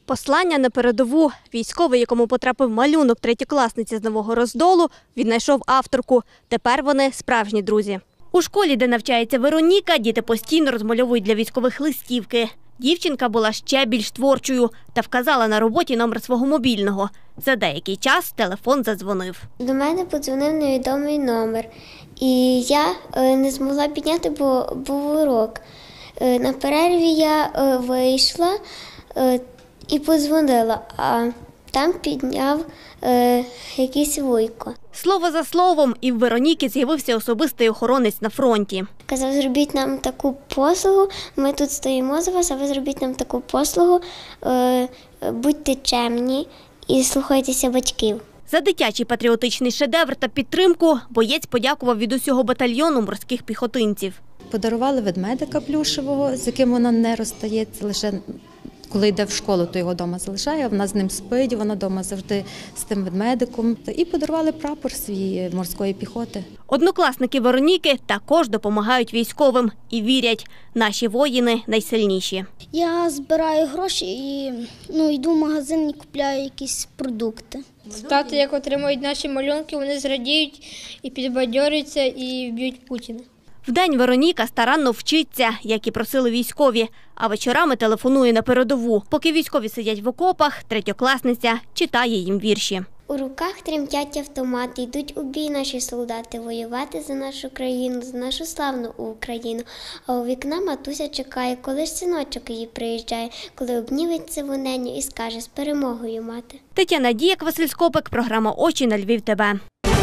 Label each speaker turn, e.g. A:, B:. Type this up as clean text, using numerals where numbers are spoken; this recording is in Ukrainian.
A: Послання на передову. Військовий, якому потрапив малюнок третєкласниці з Нового Роздолу, віднайшов авторку. Тепер вони справжні друзі. У школі, де навчається Вероніка, діти постійно розмальовують для військових листівки. Дівчинка була ще більш творчою та вказала на роботі номер свого мобільного. За деякий час телефон задзвонив.
B: До мене подзвонив невідомий номер. І я не змогла підняти, бо був урок. На перерві я вийшла і подзвонила, а там підняв якийсь вуйко.
A: Слово за словом, і в Вероніки з'явився особистий охоронець на фронті.
B: Казав, зробіть нам таку послугу, ми тут стоїмо за вас, а ви зробіть нам таку послугу, будьте чемні і слухайтеся батьків.
A: За дитячий патріотичний шедевр та підтримку боєць подякував від усього батальйону морських піхотинців.
C: Подарували ведмедика плюшевого, з яким вона не розстається, лише коли йде в школу, то його вдома залишає, вона з ним спить, вона вдома завжди з тим ведмедиком. І подарували прапор свій морської піхоти.
A: Однокласники Вероніки також допомагають військовим і вірять, наші воїни найсильніші.
D: Я збираю гроші і йду в магазин і купляю якісь продукти.
E: Тати, як отримують наші малюнки, вони зрадіють і підбадьорюються і вб'ють Путіна.
A: Вдень Вероніка старанно вчиться, як і просили військові, а вечорами телефонує на передову. Поки військові сидять в окопах, третьокласниця читає їм вірші.
B: У руках тремтять автомати, йдуть у бій наші солдати, воювати за нашу країну, за нашу славну Україну. А у вікна матуся чекає, коли ж синочок її приїжджає, коли обніметься воненю і скаже з перемогою мати.
A: Тетяна Діяк, Василь Скопик, програма «Очі на Львів ТВ».